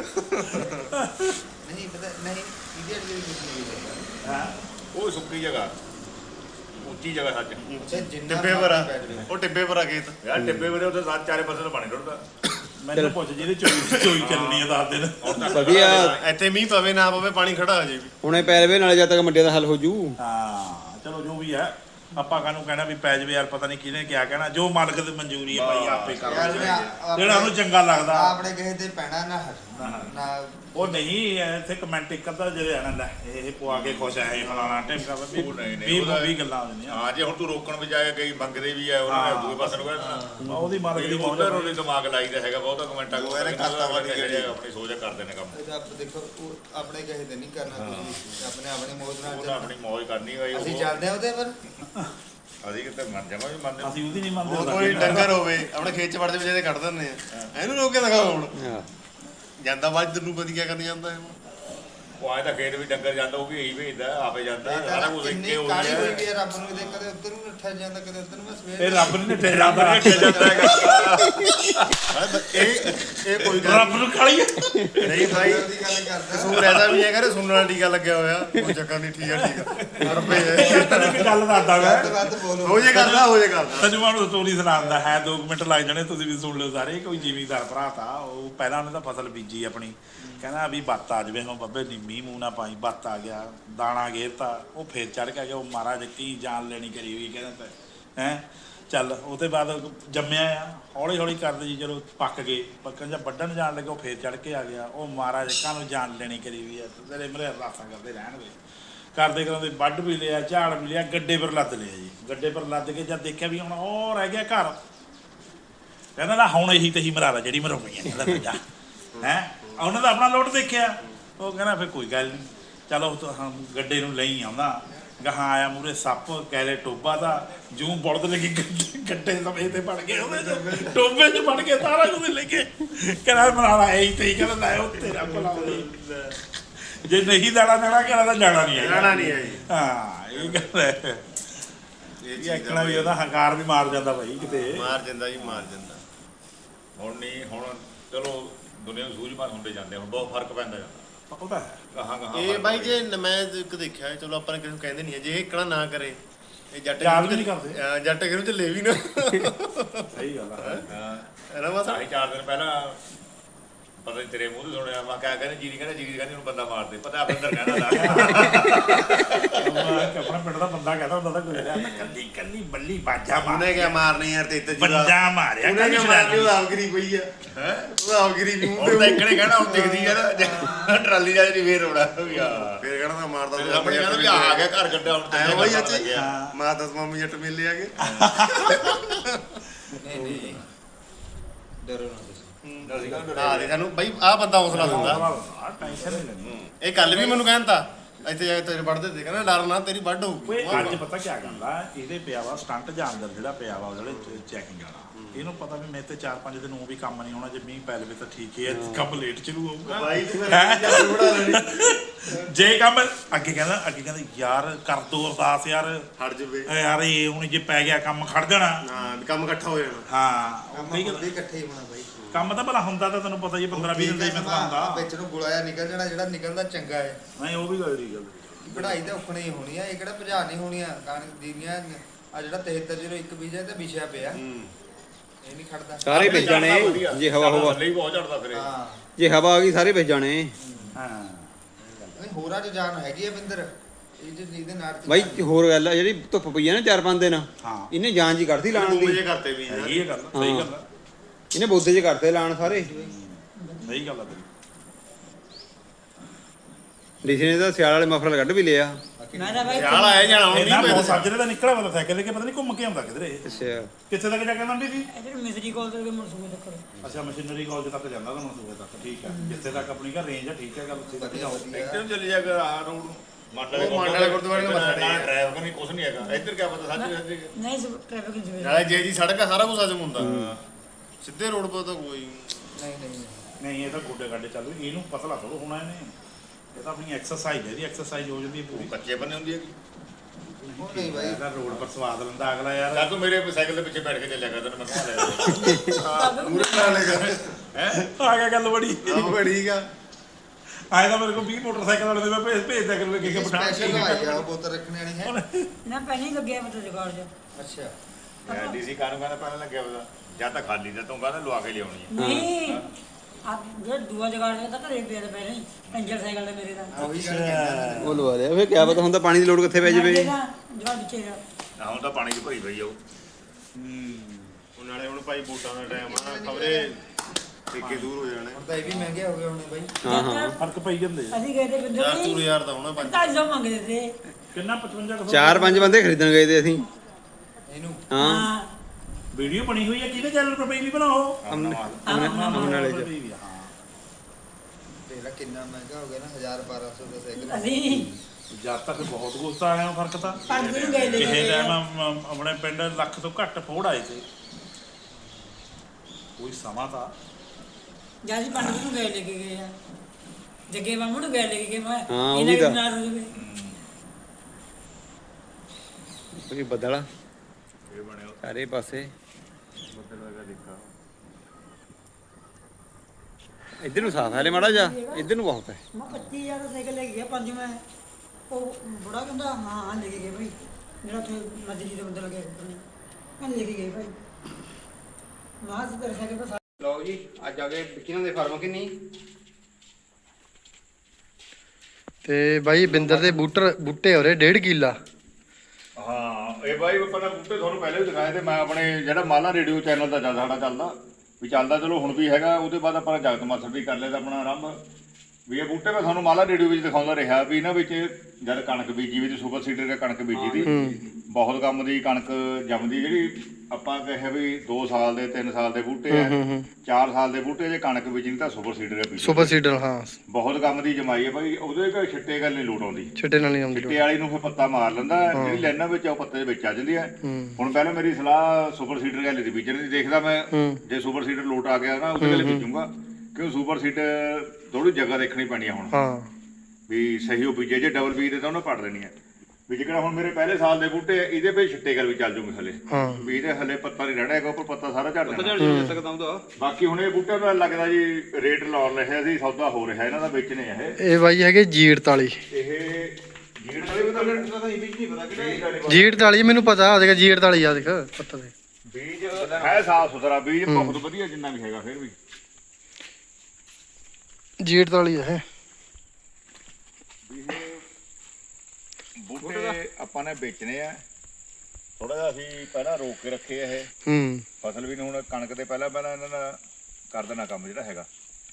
Speaker 3: ਨਹੀਂ ਪਤਾ ਨਹੀਂ ਇਹਦੀ ਅੜੀ ਵੀ ਕੁਝ ਨਹੀਂ ਹੋਇਆ।
Speaker 4: ਹਾਂ
Speaker 2: ਉਹ ਸੁੱਕੀ ਜਗ੍ਹਾ ਉੱਚੀ ਜਗ੍ਹਾ ਸੱਚ
Speaker 3: ਤੇ ਜਿੰਨਾ
Speaker 5: ਟਿੱਬੇ ਪਰ ਆ
Speaker 3: ਪੈ ਜਾਵੇ।
Speaker 5: ਉਹ ਟਿੱਬੇ ਪਰ ਆ ਖੇਤ
Speaker 2: ਯਾਰ ਟਿੱਬੇ ਵਰੇ ਉੱਥੇ ਸੱਤ ਚਾਰੇ ਪਾਸੇ ਤੋਂ ਪਾਣੀ ਡੁੱਲਦਾ
Speaker 4: ਮੈਨੂੰ ਪੁੱਛ ਜਿਹਦੇ ਚੋਈ ਚੋਈ ਚੱਲਣੀ ਆ ਦੱਸ ਦਿਨ
Speaker 1: ਵਧੀਆ
Speaker 5: ਇੱਥੇ ਮੀਂਹ ਪਵੇ ਨਾ ਪਵੇ ਪਾਣੀ ਖੜਾ ਹੋ ਜੇ ਵੀ
Speaker 1: ਹੁਣੇ ਪੈ ਰਵੇ ਨਾਲੇ ਜਦ ਤੱਕ ਮੰਡੇ ਦਾ ਹੱਲ ਹੋ ਜੂ।
Speaker 4: ਹਾਂ ਚਲੋ ਜੋ ਵੀ ਹੈ ਆਪਾਂ ਕਾਹਨੂੰ ਕਹਿਣਾ ਵੀ ਪੈ ਜਵੇ ਯਾਰ ਪਤਾ ਨਹੀਂ ਕਿਹਨੇ ਕਿਹਾ ਕਹਿਣਾ ਜੋ ਮਾਲਕ ਦੀ ਮਨਜ਼ੂਰੀ ਹੈ ਭਾਈ ਆਪੇ ਕਰ
Speaker 3: ਯਾਰ
Speaker 4: ਲੈਂਦੇ
Speaker 3: ਮੈਂ ਆਪਣੇ-
Speaker 4: ਜਿਹੜਾ ਉਹਨੂੰ ਚੰਗਾ ਲੱਗਦਾ
Speaker 3: ਆਪਣੇ ਕਿਸੇ ਤੇ ਪੈਣਾ ਨਾ ਹਟਣਾ ਨਾ
Speaker 4: ਉਹ ਨਹੀਂ ਇੱਥੇ ਕਮੈਂਟ ਇੱਕ ਅੱਧਾ ਜਿਹੜੇ ਆ ਨਾ ਲੈ ਇਹ ਪਵਾ ਕੇ ਖੁਸ਼ ਆ ਇਹ ਫਲਾਣਾ ਟਿਮ ਕਰ ਵੀ
Speaker 2: ਉਹ ਨਹੀਂ, ਨਹੀਂ,
Speaker 4: ਵੀਹ
Speaker 2: ਉਹਦਾ-
Speaker 4: ਵੀਹ ਗੱਲਾਂ ਹੋ ਜਾਂਦੀਆਂ
Speaker 2: ਹਾਂ ਜੇ ਹੁਣ ਤੂੰ ਰੋਕਣ ਵਜਾਏ ਕਈ ਮੰਗਦੇ ਵੀ ਆ ਉਹਨਾਂ ਨੇ
Speaker 4: ਹਾਂ।
Speaker 2: ਦੂਏ ਪਾਸੇ ਨੂੰ ਕਹਿੰਦਾ
Speaker 4: ਉਹਦੀ ਮਾਲਕ ਦੀ ਮੌਜ
Speaker 2: ਉਧਰ ਉਹਨੇ ਦਿਮਾਗ ਲਾਈਦਾ ਹੈਗਾ ਬਹੁਤਾ ਕਮੈਂਟਾਂ
Speaker 5: ਉਹ ਇਹਨੇ ਕਰਤਾ ਵਾਲੀ
Speaker 2: ਜਿਹੜੇ ਆਪਣੀ ਸੋਚ ਕਰਦੇ ਨੇ ਕੰਮ
Speaker 3: ਇਹਦਾ ਆਪ ਦੇਖੋ ਉਹ ਆਪਣੇ ਕਿਸੇ ਤੇ ਨਹੀਂ ਕਰਨਾ ਕੁਝ ਵੀ ਆਪਣੇ ਆਪਣੇ ਮੌਜ ਨਾਲ
Speaker 2: ਉਹਨਾਂ
Speaker 3: ਚੱਲਣਾ।
Speaker 2: ਆਪਣੀ ਮੌਜ ਕਰਨੀ ਹੋਈ
Speaker 3: ਅਸੀਂ ਚੱਲਦੇ ਆ ਉਹਦੇ ਪਰ
Speaker 2: ਅਸੀਂ ਕਿਤੇ ਮੰਨ ਜਾਵਾਂ ਵੀ ਮੰਨਦੇ
Speaker 4: ਅਸੀਂ ਉਹਦੀ ਨਹੀਂ ਮੰਨਦੇ
Speaker 5: ਉਹ ਕੋਈ ਡੰਗਰ ਹੋਵੇ ਆਪਣੇ ਖੇਤ ਚ ਵੜਦੇ ਵਿਚਾਰੇ ਕੱਢ ਦਿੰਦੇ ਆ ਇਹਨੂੰ ਰੋਕ ਕੇ ਦਿਖਾਓ ਹੁਣ
Speaker 1: ਹਾਂ
Speaker 5: ਜਾਂਦਾ ਬਾਅਦ ਤੈਨੂੰ ਵਧੀਆ ਕਰਨ ਜਾਂਦਾ ਹੈ
Speaker 2: ਉਹ ਆਏ ਤਾਂ ਖੇਤ ਵੀ ਡੰਗਰ ਜਾਂਦਾ ਉਹ ਵੀ ਇਹੀ ਭੇਜਦਾ ਆਪੇ ਜਾਂਦਾ ਸਾਰਾ ਕੁਝ
Speaker 3: ਇੰਨੀ
Speaker 2: ਇੱਕੇ ਹੋ
Speaker 3: ਕਾਹਲੀ ਹੋਈ
Speaker 2: ਗਿਆ
Speaker 3: ਵੀ ਹੈ ਰੱਬ ਨੂੰ ਕਿਤੇ ਕਦੇ ਉੱਧਰ ਨੂੰ ਨੱਠਾ ਜਾਂਦਾ ਕਦੇ ਉੱਧਰ ਨੂੰ ਮੈਂ
Speaker 4: ਇਹ
Speaker 3: ਸਵੇਰ
Speaker 4: ਰੱਬ ਨੇ ਨੱਠੇ ਜਾਂਦਾ
Speaker 2: ਜਾਂਦਾ ਹੈਗਾ
Speaker 5: ਇਹ ਇਹ ਕੋਈ ਗੱਲ
Speaker 4: ਰੱਬ ਨੂੰ ਕਾਲੀ
Speaker 5: ਨਹੀਂ ਭਾਈ
Speaker 3: ਦੀ ਗੱਲ ਕਰਦਾ
Speaker 5: ਕਸੂਰ ਐਦਾ ਵੀ ਹੈਗਾ ਰੇ ਸੁਣਨ ਵਾਲਾ ਟੀਕਾ ਲੱਗਿਆ ਹੋਇਆ ਕੋਈ ਚੱਕਰ ਨਹੀਂ ਠੀਕ ਆ ਠੀਕ ਆ ਰੁਪਏ
Speaker 4: ਤੈਨੂੰ ਇੱਕ ਗੱਲ ਦੱਸਦਾ ਮੈਂ
Speaker 3: ਵੱਧ ਵੱਧ ਬੋਲੋ
Speaker 5: ਹੋ ਜੇ ਕਰਦਾ ਹੋ ਜੇ ਕਰਦਾ
Speaker 4: ਤੈਨੂੰ ਮੈਂ ਸਟੋਰੀ ਸੁਣਾਉਂਦਾ ਹੈ ਦੋ ਮਿੰਟ ਲੱਗ ਜਾਣੇ ਤੁਸੀਂ ਵੀ ਸੁਣ ਲਿਓ ਸਾਰੇ ਕੋਈ ਜ਼ਿਮੀਂਦਾਰ ਭਰਾ ਤਾ ਉਹ ਪਹਿਲਾਂ ਉਹਨੇ ਤਾਂ ਫਸਲ ਬੀਜੀ ਆਪਣੀ ਕਹਿੰਦਾ ਵੀ ਬੱਤ ਆ ਜਵੇ ਹੁਣ ਬੱਬੇ ਨਿੰਮੀ ਮੂੰਹ ਨਾ ਪਾਈ ਬੱਤ ਆ ਗਿਆ ਦਾਣਾ ਗੇਰਤਾ ਉਹ ਫੇਰ ਚੜ ਕੇ ਗਿਆ ਉਹ ਮਹਾਰਾਜ ਕੀ ਜਾਨ ਲੈਣੀ ਕਰੀ ਹੋਈ ਕਹਿੰਦਾ ਹੈ ਚੱਲ ਉਹ ਤੋਂ ਬਾਅਦ ਜੰਮਿਆ ਆ ਹੌਲੀ ਹੌਲੀ ਕਰਦੇ ਜੀ ਚਲੋ ਪੱਕ ਗਏ ਪੱਕਣ ਜਾਂ ਵੱਢਣ ਜਾਣ ਲੱਗੇ ਉਹ ਫੇਰ ਚੜ ਕੇ ਆ ਗਿਆ ਉਹ ਮਹਾਰਾਜ ਕਾਹਨੂੰ ਜਾਨ ਲੈਣੀ ਕਰੀ ਹੋਈ ਆ ਤੇਰੇ ਮੇਰੇ ਅਰਦਾਸਾਂ ਕਰਦੇ ਰਹਿਣਗੇ ਕਰਦੇ ਕਰਾਉਂਦੇ ਵੱਢ ਵੀ ਲਿਆ ਝਾੜ ਵੀ ਲਿਆ ਗੱਡੇ ਪਰ ਲੱਦ ਲਿਆ ਜੀ ਗੱਡੇ ਪਰ ਲੱਦ ਕੇ ਜਦ ਦੇਖਿਆ ਵੀ ਹੁਣ ਉਹ ਰਹਿ ਗਿਆ ਘਰ ਕਹਿੰਦਾ ਨਾ ਹੁਣ ਇਹੀ ਤੇ ਹੀ ਮਰਾਲਾ ਜਿਹੜੀ ਮਰਾਉਣੀ ਹੈ ਕਹਿੰਦਾ ਜਾ ਹੈ ਉਹਨਾਂ ਦਾ ਆਪਣਾ ਲੋਟ ਦੇਖਿਆ ਉਹ ਕਹਿੰਦਾ ਫਿਰ ਕੋਈ ਗੱਲ ਨਹੀਂ ਚਲੋ ਹਾਂ ਗੱਡੇ ਨੂੰ ਲਈ ਆਉਂਦਾ ਗਾਹਾਂ ਆਇਆ ਮੂਰੇ ਸੱਪ ਕੈਲੇ ਟੋਬਾ ਦਾ ਜੂੰ ਬੁਲਦ ਲੱਗੀ ਗੱਡੇ ਸਮੇਂ ਤੇ ਪੜ ਗਏ ਉਹਦੇ ਟੋਬੇ 'ਚ ਪੜ ਕੇ ਸਾਰਾ ਕੁਝ ਲੈ ਕੇ ਕਹਿੰਦਾ ਮਰਾਲਾ ਇਹੀ ਤੇ ਹੀ ਕਹਿੰਦਾ ਲੈ ਉਹ ਤੇਰਾ ਭਲਾ ਜੇ ਨਹੀਂ ਦਾਣਾ ਦੇਣਾ ਕਹਿੰਦਾ ਤਾਂ ਜਾਣਾ ਨਹੀਂ ਹੈ
Speaker 5: ਜਾਣਾ ਨਹੀਂ ਹੈ ਜੀ
Speaker 4: ਹਾਂ ਇਹ ਗੱਲ ਹੈ
Speaker 5: ਇਹ
Speaker 4: ਇਹ ਆਖਣਾ ਵੀ ਉਹਦਾ ਹੰਕਾਰ ਵੀ ਮਾਰ ਜਾਂਦਾ ਭਾਈ ਕਿਤੇ
Speaker 5: ਮਾਰ ਜਾਂਦਾ ਜੀ ਮਾਰ ਜਾਂਦਾ
Speaker 2: ਹੁਣ ਨਹੀਂ ਹੁਣ ਚਲੋ ਦੁਨੀਆ ਨੂੰ ਸੂਝਵਾਨ ਹੁੰਦੇ ਜਾਂਦੇ ਹੁਣ ਬਹੁਤ ਫਰਕ ਪੈਂਦਾ ਜਾਂਦਾ
Speaker 4: ਉਹ ਤਾਂ ਹੈ
Speaker 2: ਕਹਾਂ ਕਹਾਂ
Speaker 5: ਇਹ ਬਾਈ ਜੇ ਨ- ਮੈਂ ਇੱਕ ਦੇਖਿਆ ਚਲੋ ਆਪਾਂ ਨੇ ਕਿਸੇ ਨੂੰ ਕਹਿੰਦੇ ਨਹੀਂ ਹੈ, ਜੇ ਇਹ ਇਕਣਾ ਨਾ ਕਰੇ ਇਹ ਜੱਟ
Speaker 4: ਯਾਦ ਵੀ ਨਹੀਂ ਕਰਦੇ।
Speaker 5: ਹਾਂ, ਜੱਟ ਕਿਹਨੂੰ ਤੇ ਲੈ ਵੀ ਨਾ
Speaker 4: ਸਹੀ ਗੱਲ ਹੈ
Speaker 5: ਹੈ ਨਾ ਬਸ
Speaker 2: ਸਾਢੇ ਚਾਰ ਦਿਨ ਪਹਿਲਾਂ ਪਤਾ ਨਹੀਂ ਤੇਰੇ ਮੂੰਹ ਤੋਂ ਸੁਣਿਆ ਮੈਂ ਕਿਹਾ ਕਹਿੰਦੇ ਜੀਰੀ ਕਹਿੰਦੇ ਜੀਰੀ ਕਹਿੰਦੇ ਹੁਣ ਬੰਦਾ ਮਾਰਦੇ ਪਤਾ ਬੰਦਰ ਕਹਿੰਦਾ ਲਾ
Speaker 4: ਆਪਣਾ ਪਿੰਡ ਦਾ ਬੰਦਾ ਕਹਿੰਦਾ ਹੁੰਦਾ ਤਾਂ ਗੁਜ਼ਰਿਆ ਤਾਂ ਕੱਲੀ ਕੱਲੀ ਬੱਲੀ ਬਾਜਾ ਮਾਰ
Speaker 5: ਉਹਨੇ ਕਿਆ ਮਾਰਨੇ ਯਾਰ ਤੇ ਇੱਥੇ
Speaker 4: ਬੰਦਾ ਮਾਰਿਆ
Speaker 5: ਉਹਨੇ ਕਿਆ ਮਾਰਨੇ ਉਹ ਆਵਗਰੀ ਪਈ ਆ
Speaker 2: ਹੈ
Speaker 5: ਉਹ ਆਵਗਰੀ ਵੀ ਮੂੰਹ
Speaker 2: ਹੁਣ ਤਾਂ
Speaker 5: ਤੇ
Speaker 2: ਇੱਕਣੇ ਕਹਿਣਾ ਹੁਣ ਦਿਖਦੀ ਆ ਨਾ ਟਰਾਲੀ ਜਾ ਜਿਹੜੀ ਫੇਰ ਹੋਣਾ ਯਾਰ
Speaker 5: ਫੇਰ ਕਹਿਣਾ ਤਾਂ ਮਾਰਦਾ
Speaker 2: ਤੇਰੇ ਸਾਹਮਣੇ ਕਹਿੰਦਾ ਵੀ ਆ ਗਿਆ ਘਰ ਗੱਡਾ ਹੁਣ
Speaker 5: ਐ ਬਈ ਅੱਛੀ
Speaker 2: ਲੱਗਿਆ।
Speaker 5: ਮਾਂ ਦਸ ਮਾਮੀ ਜੱਟ ਮਿਲ ਆ ਗਏ
Speaker 3: ਨਹੀਂ ਨਹੀਂ ਡਰੋ ਨਾ ਤੁਸੀਂ
Speaker 2: ਅਸੀਂ ਕਹਿੰਦੇ
Speaker 5: ਹਾਂ ਦੇ ਸਾਨੂੰ ਬਈ ਆਹ ਬੰਦਾ ਹੌਸਲਾ ਦਿੰਦਾ
Speaker 4: ਟੈਨਸ਼ਨ ਨਹੀਂ ਲੈਣੀ
Speaker 5: ਇਹ ਕੱਲ ਵੀ ਮੈਨੂੰ ਕਹਿੰਦਾ ਇੱਥੇ ਜਾ ਕੇ ਤੇਰੇ ਵੱਢਦੇ ਤੇ ਕਹਿੰਦਾ ਡਰ ਨਾ ਤੇਰੀ ਵੱਢ ਹੋਊਗੀ
Speaker 4: ਓਏ ਅੱਜ ਪਤਾ ਕੀ ਗੱਲ ਆ ਇਹਦੇ ਪਿਆ ਵਾ ਸਟੰਟ ਜਾਨਦਰ ਜਿਹੜਾ ਪਿਆ ਵਾ ਉਹਦੇ ਚੈਕਿੰਗ ਵਾਲਾ ਇਹਨੂੰ ਪਤਾ ਵੀ ਮੇਰੇ ਤੇ ਚਾਰ ਪੰਜ ਦਿਨ ਉਹ ਵੀ ਕੰਮ ਨਹੀਂ ਹੋਣਾ ਜੇ ਮੀਂਹ ਪੈ ਲਵੇ ਤਾਂ ਠੀਕ ਹੀ ਹੈ ਕੰਮ ਲੇਟ ਚਲੂ ਹੋਊਗਾ
Speaker 5: ਬਾਈ ਤੂੰ ਜੱਟ ਬੜਾ ਲੈਣੀ
Speaker 4: ਜੇ ਕੰਮ ਅੱਗੇ ਕਹਿੰਦਾ ਅੱਗੇ ਕਹਿੰਦਾ ਯਾਰ ਕਰ ਦੋ ਅਰਦਾਸ ਯਾਰ
Speaker 5: ਹਟ ਜਵੇ
Speaker 4: ਐ ਯਾਰ ਇਹ ਹੁਣ ਜੇ ਪੈ ਗਿਆ ਕੰਮ ਖੜ ਜਾਣਾ
Speaker 5: ਹਾਂ ਵੀ ਕੰਮ ਇਕੱਠਾ ਹੋ ਜਾਣਾ
Speaker 4: ਹਾਂ
Speaker 3: ਕੰਮ
Speaker 4: ਠੀਕ
Speaker 3: ਹੁੰਦੇ
Speaker 4: ਹੈ
Speaker 3: ਇਕੱਠੇ ਹੀ ਹੋਣਾ ਬਾਈ
Speaker 4: ਕੰਮ ਤਾਂ ਭਲਾ ਹੁੰਦਾ ਤਾਂ ਤੈਨੂੰ ਪਤਾ ਹੀ ਪੰਦਰਾਂ ਵੀਹ ਦਿਨ ਦਾ ਹੀ ਮਤਲਬ ਹੁੰਦਾ
Speaker 3: ਵਿੱਚ ਨੂੰ ਗੁਲਾਇਆ ਨਿਕਲ ਜਾਣਾ ਜਿਹੜਾ ਨਿਕਲਦਾ ਚੰਗਾ ਹੈ
Speaker 4: ਨਹੀਂ ਉਹ ਵੀ ਗੱਲ ਠੀਕ ਗੱਲ
Speaker 3: ਕਢਾਈ ਤਾਂ ਉਖਣੀ ਹੀ ਹੋਣੀ ਆ ਇਹ ਕਿਹੜਾ ਭਜਾ ਨਹੀਂ ਹੋਣੀਆਂ ਕਣਕ ਦੀਆਂ ਆ ਜਿਹੜਾ ਤਿਹੱਤਰ ਜ਼ੀਰੋ ਇੱਕ ਬੀਜਿਆ ਤੇ ਵਿਛਿਆ ਪਿਆ ਇਹ ਨਹੀਂ ਖੜਦਾ
Speaker 1: ਸਾਰੇ ਵਿੱਚ ਜਾਣੇ ਜੇ ਹਵਾ ਹਵਾ
Speaker 2: ਥੱਲੇ ਹੀ ਬਹੁਤ ਝੜਦਾ ਫਿਰੇ
Speaker 3: ਹਾਂ
Speaker 1: ਜੇ ਹਵਾ ਆ ਗਈ ਸਾਰੇ ਵਿੱਚ ਜਾਣੇ
Speaker 4: ਹਾਂ
Speaker 3: ਨਹੀਂ ਹੋਰਾਂ ਚ ਜਾਨ ਹੈਗੀ ਆ ਬਿੰਦਰ ਇਹ ਜੇ ਇਹਦੇ ਨਾਲ ਚ
Speaker 1: ਬਾਈ
Speaker 3: ਜਾਨ-
Speaker 1: ਹੋਰ ਗੱਲ ਆ ਜਿਹੜੀ ਧੁੱਪ ਪਈ ਆ ਨਾ ਚਾਰ ਪੰਜ ਦਿਨ
Speaker 4: ਹਾਂ
Speaker 1: ਇਹਨੇ ਜਾਨ ਜੀ ਕੱਢਦੀ ਲਾਣ
Speaker 5: ਦੋ
Speaker 1: ਦੀ
Speaker 5: ਵਜੇ ਕਰਤੇ ਵੀ ਯਾਰ
Speaker 4: ਹੈਗੀ ਇਹ ਗੱਲ ਸਹੀ ਗੱਲ ਆ
Speaker 1: ਇਹਨੇ ਬੋਦੇ ਚ ਕਰਤੇ ਲਾਣ ਸਾਰੇ
Speaker 4: ਸਹੀ ਗੱਲ ਆ ਤੇਰੀ
Speaker 1: ਡੀਸੀ ਨੇ ਤਾਂ ਸਿਆਲ ਵਾਲੇ ਮਫਲਰ ਕੱਢ ਵੀ ਲਿਆ
Speaker 6: ਮੈਂ ਤਾਂ ਬਾਈ
Speaker 5: ਸਿਆਲ ਆਇਆ ਜਾਣਾ ਹੁਣ
Speaker 4: ਇਹਨਾਂ
Speaker 5: ਨਹੀਂ
Speaker 4: ਬਹੁਤ
Speaker 5: ਪੈਂਦਾ
Speaker 4: ਸਾਜਰੇ ਦਾ ਨਿਕਲਿਆ ਵਾਲਾ ਸਾਈਕਲ ਲੈ ਕੇ ਪਤਾ ਨਹੀਂ ਘੁੰਮ ਕੇ ਆਉਂਦਾ ਕਿਧਰੇ
Speaker 1: ਅੱਛਾ
Speaker 4: ਕਿੱਥੇ ਤੱਕ ਜਾ ਕੇ ਆਉਂਦੀ ਸੀ
Speaker 6: ਇਧਰ ਮਿਸਰੀ ਕਾਲ ਤੋਂ ਮਨਸੂਬੇ ਤੱਕ
Speaker 4: ਅੱਛਾ ਮਸ਼ੀਨਰੀ ਕਾਲਜ ਤੱਕ ਜਾਂਦਾ ਤਾਂ ਮਨਸੂਬੇ ਤੱਕ ਠੀਕ ਹੈ ਜਿੱਥੇ ਤੱਕ ਆਪਣੀ ਘਰ ਰੇਂਜ ਹੈ ਠੀਕ ਹੈ ਗੱਲ ਉੱਥੇ ਤੱਕ ਜਾਓ
Speaker 2: ਇੱਧਰ ਨੂੰ ਚਲੀ ਜਾ ਕੇ ਆ ਰੋਡ ਨੂੰ ਮੰਡਲੇ
Speaker 5: ਉਹ ਮੰਡ ਵਾਲੇ ਗੁਰਦੁਆਰੇ ਨੂੰ ਮੱਥਾ ਟੇਕ।
Speaker 2: ਡਰਾਈਵ ਕਰਨੀ ਕੁਝ ਨਹੀਂ ਹੈਗਾ ਇੱਧਰ ਕਿਆ ਪਤਾ ਸੱਚ ਸੱਚ
Speaker 6: ਨਹੀਂ ਸਭ ਟ੍ਰੈਫਿਕ ਜਿਵੇਂ
Speaker 5: ਨਾਲੇ ਜੇ ਜੀ ਸੜਕ ਆ, ਸਾਰਾ ਕੁਝ ਹਜਮ ਹੁੰਦਾ ਸਿੱਧੇ ਰੋਡ 'ਤੇ ਤਾਂ ਕੋਈ
Speaker 3: ਨਹੀਂ ਨਹੀਂ ਨਹੀਂ।
Speaker 4: ਨਹੀਂ ਇਹ ਤਾਂ ਗੋਡੇ ਗਾਡੇ ਚੱਲੂ ਇਹਨੂੰ ਪਤਲਾ ਥੋੜਾ ਹੋਣਾ ਇਹਨੇ ਇਹ ਤਾਂ ਆਪਣੀ ਐਕਸਰਸਾਈਜ਼ ਹੈ ਇਹਦੀ ਐਕਸਰਸਾਈਜ਼ ਹੋ ਜਾਂਦੀ ਹੈ ਪੂਰੀ
Speaker 2: ਕੱਚੇ ਬੰਨੇ ਹੁੰਦੀ ਹੈਗੀ
Speaker 3: ਉਹ ਨਹੀਂ ਬਾਈ
Speaker 4: ਇਹਦਾ ਰੋਡ ਪਰ ਸਵਾਦ ਲੈਂਦਾ ਅਗਲਾ ਯਾਰ
Speaker 2: ਜਾਂ ਤੂੰ ਮੇਰੇ ਸਾਈਕਲ ਦੇ ਪਿੱਛੇ ਬੈਠ ਕੇ ਚੱਲਿਆ ਕਰ ਤੈਨੂੰ ਮੈਂ ਕਹਾਂ ਲੈ
Speaker 5: ਮੂਰੇ ਬਣਾ ਲੇਗਾ
Speaker 2: ਹੈ
Speaker 4: ਆ ਗਿਆ ਗੱਲ ਬੜੀ
Speaker 5: ਆਹ ਬੜੀ ਆ
Speaker 4: ਆਏ ਤਾਂ ਮੇਰੇ ਕੋਲ ਵੀਹ ਮੋਟਰਸਾਈਕਲ ਵਾਲੇ ਦੇ ਮੈਂ ਭੇਜ ਭੇਜ ਦਿਆ ਕਰੂੰਗਾ ਕਿ ਕਿ ਪਠਾਨ
Speaker 3: ਸਪੈਸ਼ਲ ਆਈ ਆ ਬੋਤਲ ਰੱਖਣੇ ਵਾਲੀ ਹੈ
Speaker 6: ਨਾ ਪਹਿਲਾਂ ਹੀ ਲੱਗਿਆ ਮਤਲਬ ਜਗਾੜ ਜਾ
Speaker 3: ਅੱਛਾ
Speaker 2: ਡੀਸੀ ਕਾਨੂੰ ਕਹਿੰਦਾ ਪਹਿਲਾਂ ਲੱਗਿਆ ਉਹਦਾ ਜਾਂ ਤਾਂ ਖਾਲੀ ਤੇ ਤੂੰ ਕਹਿੰਦਾ ਲਵਾ ਕੇ ਲਿਆਉਣੀ ਹੈ
Speaker 6: ਨਹੀਂ ਆ ਜਿਹੜਾ ਦੂਆ ਜਗਾੜ ਜਾ ਤਾਂ ਘਰੇ ਪਿਆ ਤਾਂ ਪਹਿਲਾਂ ਹੀ ਪੈਂਜਰ ਸਾਈਕਲ ਦਾ ਮੇਰੇ ਦਾ
Speaker 3: ਆ ਉਹੀ ਗੱਲ ਕਹਿੰਦਾ
Speaker 1: ਉਹ ਲਵਾ ਲਿਆ ਫੇ ਕਿਆ ਪਤਾ ਹੁੰਦਾ ਪਾਣੀ ਦੀ ਲੋੜ ਕਿੱਥੇ ਪੈ ਜਾਵੇ
Speaker 6: ਜਵਾਬ ਵਿੱਚੇ ਦਾ
Speaker 2: ਨਾ ਹੁਣ ਤਾਂ ਪਾਣੀ 'ਚ ਭਰੀ ਪਈ ਆ ਉਹ
Speaker 5: ਉਹ ਨਾਲੇ ਹੁਣ ਭਾਈ ਬੂਟਾਂ ਦਾ ਟਾਈਮ ਆ ਖਬਰੇ ਠੇਕੇ ਦੂਰ ਹੋ ਜਾਣੇ
Speaker 3: ਹੁਣ ਤਾਂ ਇਹ ਵੀ ਮਹਿੰਗੇ ਹੋ ਗਏ ਹੋਣੇ ਬਾਈ
Speaker 1: ਹਾਂ ਹਾਂ
Speaker 4: ਫਰਕ ਪਈ ਜਾਂਦੇ ਆ।
Speaker 6: ਅਸੀਂ ਗਏ ਤੇ ਬਿੰਦਰ
Speaker 5: ਯਾਰ
Speaker 6: ਨਹੀਂ
Speaker 5: ਤੂੰ ਯਾਰ ਤਾਂ ਹੋਣਾ ਪੰਜ
Speaker 6: ਢਾਈ ਸੌ ਮੰਗਦੇ ਤੇ
Speaker 4: ਕਿੰਨਾ ਪਚਵੰਜਾ ਕੁ ਸੌ?
Speaker 1: ਚਾਰ ਪੰਜ ਬੰਦੇ ਖਰੀਦਣ ਗਏ ਤੇ ਅਸੀਂ
Speaker 3: ਇਹਨੂੰ
Speaker 1: ਹਾਂ
Speaker 6: ਹਾਂ
Speaker 4: ਵੀਡੀਓ ਬਣੀ ਹੋਈ ਹੈ ਕਿਹਦੇ ਚੈਨਲ ਪਰ ਪਈ ਵੀ ਬਣਾਓ
Speaker 1: ਅਮਨ ਅਮਨ ਵਾਲੇ ਚ
Speaker 3: ਦੇਖ ਲੈ ਕਿੰਨਾ ਮਹਿੰਗਾ ਹੋ ਗਿਆ ਨਾ ਹਜ਼ਾਰ ਬਾਰਾਂ ਸੌ ਦਾ ਸਾਈਕਲ
Speaker 6: ਅਸੀਂ
Speaker 4: ਜਦ ਤੱਕ ਬਹੁਤ ਗੁੱਸਾ ਆਇਆ ਫਰਕ ਤਾਂ
Speaker 6: ਪੰਜ ਨੂੰ ਗਏ ਲੈ
Speaker 4: ਕਿਸੇ
Speaker 6: ਕੇ
Speaker 4: ਟਾਈਮ ਆਪਣੇ ਪਿੰਡ ਲੱਖ ਤੋਂ ਘੱਟ ਫੋੜ ਆਏ ਸੀ ਕੋਈ ਸਮਾਂ ਤਾਂ
Speaker 6: ਜਾਂ ਅਸੀਂ ਪੰਜ ਨੂੰ ਗਏ ਲੈ ਕੇ ਗਏ ਆ ਜੱਗੇ ਮਾਮੂ ਨੂੰ ਗਏ ਲੈ ਕੇ ਗਏ ਮੈਂ
Speaker 1: ਹਾਂ, ਉਹ
Speaker 6: ਇਹਨਾਂ
Speaker 1: ਵੀ ਤਾਂ।
Speaker 6: ਦੇ ਨਾਲ ਹੋ ਜਾਵੇ
Speaker 1: ਕੋਈ ਬੱਦਲ
Speaker 2: ਇਹ ਬਣਿਆ
Speaker 1: ਸਾਰੇ ਪਾਸੇ
Speaker 2: ਬੱਦਲ ਵਰਗਾ ਦੇਖਾ
Speaker 1: ਇੱਧਰ ਨੂੰ ਸਾਫ ਹੈ ਲੈ ਮਾੜਾ ਜਾ ਇੱਧਰ ਨੂੰ ਬਹੁਤ ਹੈ
Speaker 6: ਮੈਂ ਪੱਚੀ ਹਜ਼ਾਰ ਦਾ ਸਾਈਕਲ ਲੈ ਕੇ ਗਿਆ ਪੰਜ ਮੈਂ ਉਹ ਬੜਾ ਕਹਿੰਦਾ ਹਾਂ ਹਾਂ ਲੈ ਕੇ ਗਏ ਭਾਈ ਜਿਹੜਾ ਉੱਥੇ ਮੱਜਰੀ ਦੇ ਬੰਦੇ ਲੱਗੇ ਉੱਪਰ ਨੇ ਮੈਂ ਲੈ ਕੇ ਗਏ ਭਾਈ ਮਾਂ ਸੇ ਤੇਰੇ ਸਾਈਕਲ ਪਰ
Speaker 7: ਲਓ ਜੀ ਅੱਜ ਆ ਗਏ ਕਿਹਨਾਂ ਦੇ ਫਾਰਮ ਕਿੰਨੀ
Speaker 8: ਤੇ ਬਾਈ ਬਿੰਦਰ ਦੇ ਬੂਟਰ ਬੂਟੇ ਹੋ ਰਹੇ ਡੇਢ ਕਿੱਲਾ
Speaker 2: ਹਾਂ ਇਹ ਬਾਈ ਆਪਾਂ ਨੇ ਬੂਟੇ ਤੁਹਾਨੂੰ ਪਹਿਲੇ ਵੀ ਦਿਖਾਏ ਤੇ ਮੈਂ ਆਪਣੇ ਜਿਹੜਾ ਮਾਲਾ ਰੇਡੀਓ ਚੈਨਲ ਦਾ ਚੱਲਦਾ ਸਾਡਾ ਚੱਲਦਾ ਵੀ ਚੱਲਦਾ ਚਲੋ ਹੁਣ ਵੀ ਹੈਗਾ ਉਹਦੇ ਬਾਅਦ ਆਪਾਂ ਜਗਤ ਮਾਸਟਰ ਵੀ ਕਰ ਲਿਆ ਤਾਂ ਆਪਣਾ ਆਰੰਭ ਵੀ ਇਹ ਬੂਟੇ ਮੈਂ ਤੁਹਾਨੂੰ ਮਾਲਾ ਰੇਡੀਓ ਵਿੱਚ ਦਿਖਾਉਂਦਾ ਰਿਹਾ ਵੀ ਇਹਨਾਂ ਵਿੱਚ ਜਦ ਕਣਕ ਬੀਜੀ ਵਿੱਚ ਸੁਪਰ ਸੀਡਰ ਦੇ ਕਣਕ ਬੀਜੀ ਦੀ ਬਹੁਤ ਕੰਮ ਦੀ ਕਣਕ ਜੰਮਦੀ ਜਿਹੜੀ ਆਪਾਂ ਕਹੇ ਵੀ ਦੋ ਸਾਲ ਦੇ ਤਿੰਨ ਸਾਲ ਦੇ ਬੂਟੇ ਆ ਚਾਰ ਸਾਲ ਦੇ ਬੂਟੇ ਜੇ ਕਣਕ ਬੀਜਣੀ ਤਾਂ ਸੁਪਰ ਸੀਡਰ ਹੈ ਬੀਜੀ
Speaker 8: ਸੁਪਰ ਸੀਡਰ ਹਾਂ
Speaker 2: ਬਹੁਤ ਕੰਮ ਦੀ ਜਮਾਈ ਹੈ ਭਾਈ ਉਹਦੇ ਕੋਈ ਛਿੱਟੇ ਗੱਲ ਨਹੀਂ ਲੋਟ ਆਉਂਦੀ
Speaker 8: ਛਿੱਟੇ ਨਾਲ ਨਹੀਂ ਆਉਂਦੀ
Speaker 2: ਚਿੱਟੇ ਵਾਲੀ ਨੂੰ ਫਿਰ ਪੱਤਾ ਮਾਰ ਲੈਂਦਾ ਜਿਹੜੀ ਲਾਈਨਾਂ ਵਿੱਚ ਆ ਉਹ ਪੱਤੇ ਦੇ ਵਿੱਚ ਆ ਜਾਂਦੀ ਹੈ ਹੁਣ ਪਹਿਲਾਂ ਮੇਰੀ ਸਲਾਹ ਸੁਪਰ ਸੀਡਰ ਗੱਲ ਦੀ ਬੀਜਣ ਦੀ ਦੇਖਦਾ ਮੈਂ ਜੇ ਸੁਪਰ ਸੀਡਰ ਲੋਟ ਆ ਗਿਆ ਨਾ ਉਹਦੇ ਗੱਲ ਬੀਜੂੰਗਾ ਕਿਉਂ ਸੁਪਰ ਸੀਡਰ ਥੋੜੀ ਜਗ੍ਹਾ ਦੇਖਣੀ ਪੈਣੀ ਆ ਹੁਣ
Speaker 8: ਹਾਂ
Speaker 2: ਵੀ ਸਹੀ ਉਹ ਬੀਜੇ ਜੇ ਡਬਲ ਬੀਜ ਦੇ ਤਾਂ ਉਹਨੇ ਪੜ ਦੇਣੀ ਹੈ ਵੀ ਜਿਹੜਾ ਹੁਣ ਮੇਰੇ ਪਹਿਲੇ ਸਾਲ ਦੇ ਬੂਟੇ ਆ, ਇਹਦੇ ਵਿੱਚ ਛਿੱਟੇ ਕਰ ਵੀ ਚੱਲ ਜੂਗੇ ਹਲੇ
Speaker 8: ਹਾਂ
Speaker 2: ਵੀ ਇਹਦੇ ਹਲੇ ਪੱਤਾ ਨਹੀਂ ਰਹਿਣਾ ਹੈਗਾ, ਉੱਪਰ ਪੱਤਾ ਸਾਰਾ ਝੜ ਜਾਣਾ।
Speaker 5: ਝੜ ਜੂ ਸਕਦਾ ਉਹਦਾ।
Speaker 2: ਬਾਕੀ ਹੁਣ ਇਹ ਬੂਟੇ ਦਾ ਲੱਗਦਾ ਜੀ ਰੇਟ ਲਾਉਣ ਰਿਹਾ ਸੀ, ਸੌਦਾ ਹੋ ਰਿਹਾ ਇਹਨਾਂ ਦਾ, ਵੇਚਣੇ ਆ ਇਹ
Speaker 8: ਇਹ ਬਾਈ ਹੈਗੇ ਜੀ ਅੜਤਾਲੀ।
Speaker 2: ਇਹ ਜੀੜ ਵਾਲੇ ਵੀ ਤਾਂ
Speaker 5: ਤਾਂ ਇਹ ਵੀ ਨਹੀਂ ਪਤਾ ਕਿਹੜਾ
Speaker 8: ਜੀ ਅੜਤਾਲੀ ਮੈਨੂੰ ਪਤਾ ਆ, ਦੇਖ ਜੀ ਅੜਤਾਲੀ ਆ ਦੇਖ ਪੱਤਾ ਦੇ
Speaker 2: ਬੀਜ ਹੈ ਸਾਫ ਸੁਥਰਾ ਬੀਜ, ਬਹੁਤ ਵਧੀਆ ਜਿੰਨਾ ਵੀ ਹੈਗਾ ਫਿਰ ਵੀ
Speaker 8: ਜੀ ਅੜਤਾਲੀ ਹੈ।
Speaker 2: ਵੀ ਇਹ ਬੂਟੇ ਆਪਾਂ ਨੇ ਵੇਚਣੇ ਆ, ਥੋੜਾ ਜਿਹਾ ਅਸੀਂ ਪਹਿਲਾਂ ਰੋਕ ਕੇ ਰੱਖੇ ਆ ਇਹ
Speaker 8: ਹੂੰ
Speaker 2: ਫਸਲ ਵੀ ਨੂੰ। ਹੁਣ ਕਣਕ ਦੇ ਪਹਿਲਾਂ ਪਹਿਲਾਂ ਇਹਨਾਂ ਦਾ ਕਰ ਦੇਣਾ ਕੰਮ ਜਿਹੜਾ ਹੈਗਾ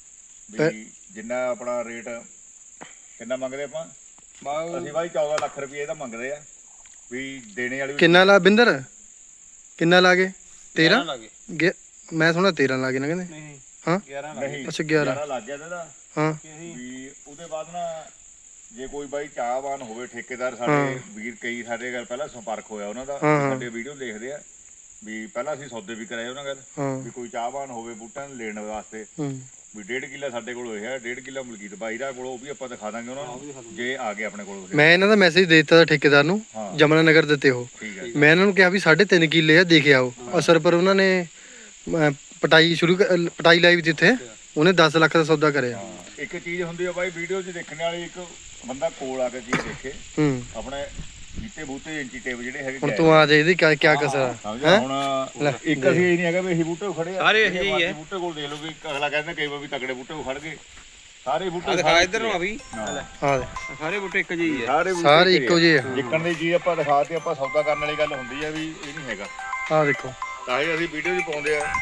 Speaker 2: ਵੀ ਜਿੰਨਾ ਆਪਣਾ ਰੇਟ ਕਿੰਨਾ ਮੰਗਦੇ ਆਪਾਂ ਅਸੀਂ ਬਾਈ ਚੌਦਾਂ ਲੱਖ ਰੁਪਏ ਇਹਦਾ ਮੰਗਦੇ ਆ ਵੀ ਦੇਣੇ ਵਾਲੀ।
Speaker 8: ਕਿੰਨਾ ਲਾ ਬਿੰਦਰ ਕਿੰਨਾ ਲਾ ਗਏ? ਤੇਰਾਂ
Speaker 5: ਲੱਗੇ
Speaker 8: ਗਿਆ ਮੈਂ ਸੁਣਿਆ ਤੇਰਾਂ ਲਾ ਗਏ ਨਾ ਕਹਿੰਦੇ।
Speaker 5: ਨਹੀਂ
Speaker 8: ਹਾਂ
Speaker 5: ਗਿਆਰਾਂ
Speaker 2: ਨਹੀਂ
Speaker 8: ਅੱਛਾ ਗਿਆਰਾਂ
Speaker 2: ਗਿਆਰਾਂ ਲੱਗ ਗਿਆ ਇਹਦਾ
Speaker 8: ਹਾਂ
Speaker 2: ਵੀ। ਉਹਦੇ ਬਾਅਦ ਨਾ ਜੇ ਕੋਈ ਬਾਈ ਚਾਹਵਾਨ ਹੋਵੇ ਠੇਕੇਦਾਰ, ਸਾਡੇ ਵੀਰ ਕਈ ਸਾਡੇ ਗੱਲ ਪਹਿਲਾਂ ਸੰਪਰਕ ਹੋਇਆ ਉਹਨਾਂ ਦਾ, ਸਾਡੇ ਵੀਡੀਓ ਦੇਖਦੇ ਆ ਵੀ ਪਹਿਲਾਂ ਅਸੀਂ ਸੌਦੇ ਵੀ ਕਰਾਏ ਉਹਨਾਂ ਗੱਲ
Speaker 8: ਹਾਂ
Speaker 2: ਵੀ ਕੋਈ ਚਾਹਵਾਨ ਹੋਵੇ ਬੂਟਾਂ ਨੂੰ ਲੈਣ ਵਾਸਤੇ
Speaker 8: ਹੂੰ
Speaker 2: ਵੀ ਡੇਢ ਕਿੱਲਾ ਸਾਡੇ ਕੋਲ ਹੋਇਆ, ਡੇਢ ਕਿੱਲਾ ਮਲਕੀਤ ਬਾਈ ਦਾ ਕੋਲ, ਉਹ ਵੀ ਆਪਾਂ ਦਿਖਾ ਦਾਂਗੇ ਉਹਨਾਂ ਨੂੰ ਜੇ ਆ ਗਏ ਆਪਣੇ ਕੋਲ।
Speaker 8: ਮੈਂ ਇਹਨਾਂ ਦਾ ਮੈਸੇਜ ਦੇ ਦਿੱਤਾ ਠੇਕੇਦਾਰ ਨੂੰ, ਜਮਨਾ ਨਗਰ ਦਿੱਤੇ ਉਹ।
Speaker 2: ਠੀਕ ਹੈ
Speaker 8: ਮੈਂ ਇਹਨਾਂ ਨੂੰ ਕਿਹਾ ਵੀ ਸਾਢੇ ਤਿੰਨ ਕਿੱਲੇ ਆ ਦੇਖ ਆਓ। ਅਸਰ ਪਰ ਉਹਨਾਂ ਨੇ ਅਹ, ਪਟਾਈ ਸ਼ੁਰੂ ਕਰ- ਪਟਾਈ ਲਾਈ ਵੀ ਜਿੱਥੇ ਉਹਨੇ ਦਸ ਲੱਖ ਦਾ ਸੌਦਾ ਕਰਿਆ।
Speaker 2: ਇੱਕ ਚੀਜ਼ ਹੁੰਦੀ ਆ ਬਾਈ ਵੀਡੀਓ 'ਚ ਦੇਖਣ ਵਾਲੀ, ਇੱਕ ਬੰਦਾ ਕੋਲ ਆ ਕੇ ਚੀਜ਼ ਦੇਖੇ
Speaker 8: ਹੂੰ
Speaker 2: ਆਪਣੇ ਬੀਤੇ ਬੂਟੇ ਇੰਚੀ ਟੇਪ ਜਿਹੜੇ ਹੈਗੇ
Speaker 8: ਹੁਣ ਤੂੰ ਆ ਜਾ ਇਹਦੀ ਕਿਆ ਕਿਆ ਕਸਰ ਆ?
Speaker 2: ਸਮਝਿਆ ਹੁਣ ਇੱਕ ਅਸੀਂ ਇਹ ਨਹੀਂ ਹੈਗਾ ਵੀ ਇਹੀ ਬੂਟੇ ਖੜੇ ਆ,
Speaker 5: ਸਾਰੇ ਇਹੀ ਹੀ ਹੈ।
Speaker 2: ਬੂਟੇ ਕੋਲ ਦੇਖ ਲਓ ਵੀ ਅਗਲਾ ਕਹਿੰਦਾ ਕਈ ਵਾਰ ਵੀ ਤਕੜੇ ਬੂਟੇ ਕੋਲ ਖੜ ਗਏ, ਸਾਰੇ ਬੂਟੇ
Speaker 5: ਦਿਖਾ ਇੱਧਰ ਨੂੰ ਆ ਵੀ
Speaker 8: ਆ ਦੇ
Speaker 5: ਸਾਰੇ ਬੂਟੇ ਇੱਕ ਜਿਹੇ ਹੀ ਆ।
Speaker 2: ਸਾਰੇ ਬੂਟੇ
Speaker 8: ਸਾਰੇ ਇੱਕੋ ਜਿਹੇ ਆ।
Speaker 2: ਜਿੱਕਣ ਦੀ ਚੀਜ਼ ਆਪਾਂ ਦਿਖਾ ਤੇ ਆਪਾਂ ਸੌਦਾ ਕਰਨ ਵਾਲੀ ਗੱਲ ਹੁੰਦੀ ਆ ਵੀ ਇਹ ਨਹੀਂ ਹੈਗਾ।
Speaker 8: ਆ ਦੇਖੋ
Speaker 2: ਤਾਂ ਹੀ ਅਸੀਂ ਵੀਡੀਓ 'ਚ ਪਾਉਂਦੇ ਆ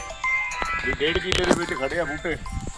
Speaker 2: ਵੀ ਡੇਢ ਕਿੱਲੇ ਦੇ ਵਿੱਚ ਖੜੇ ਆ ਬੂਟੇ।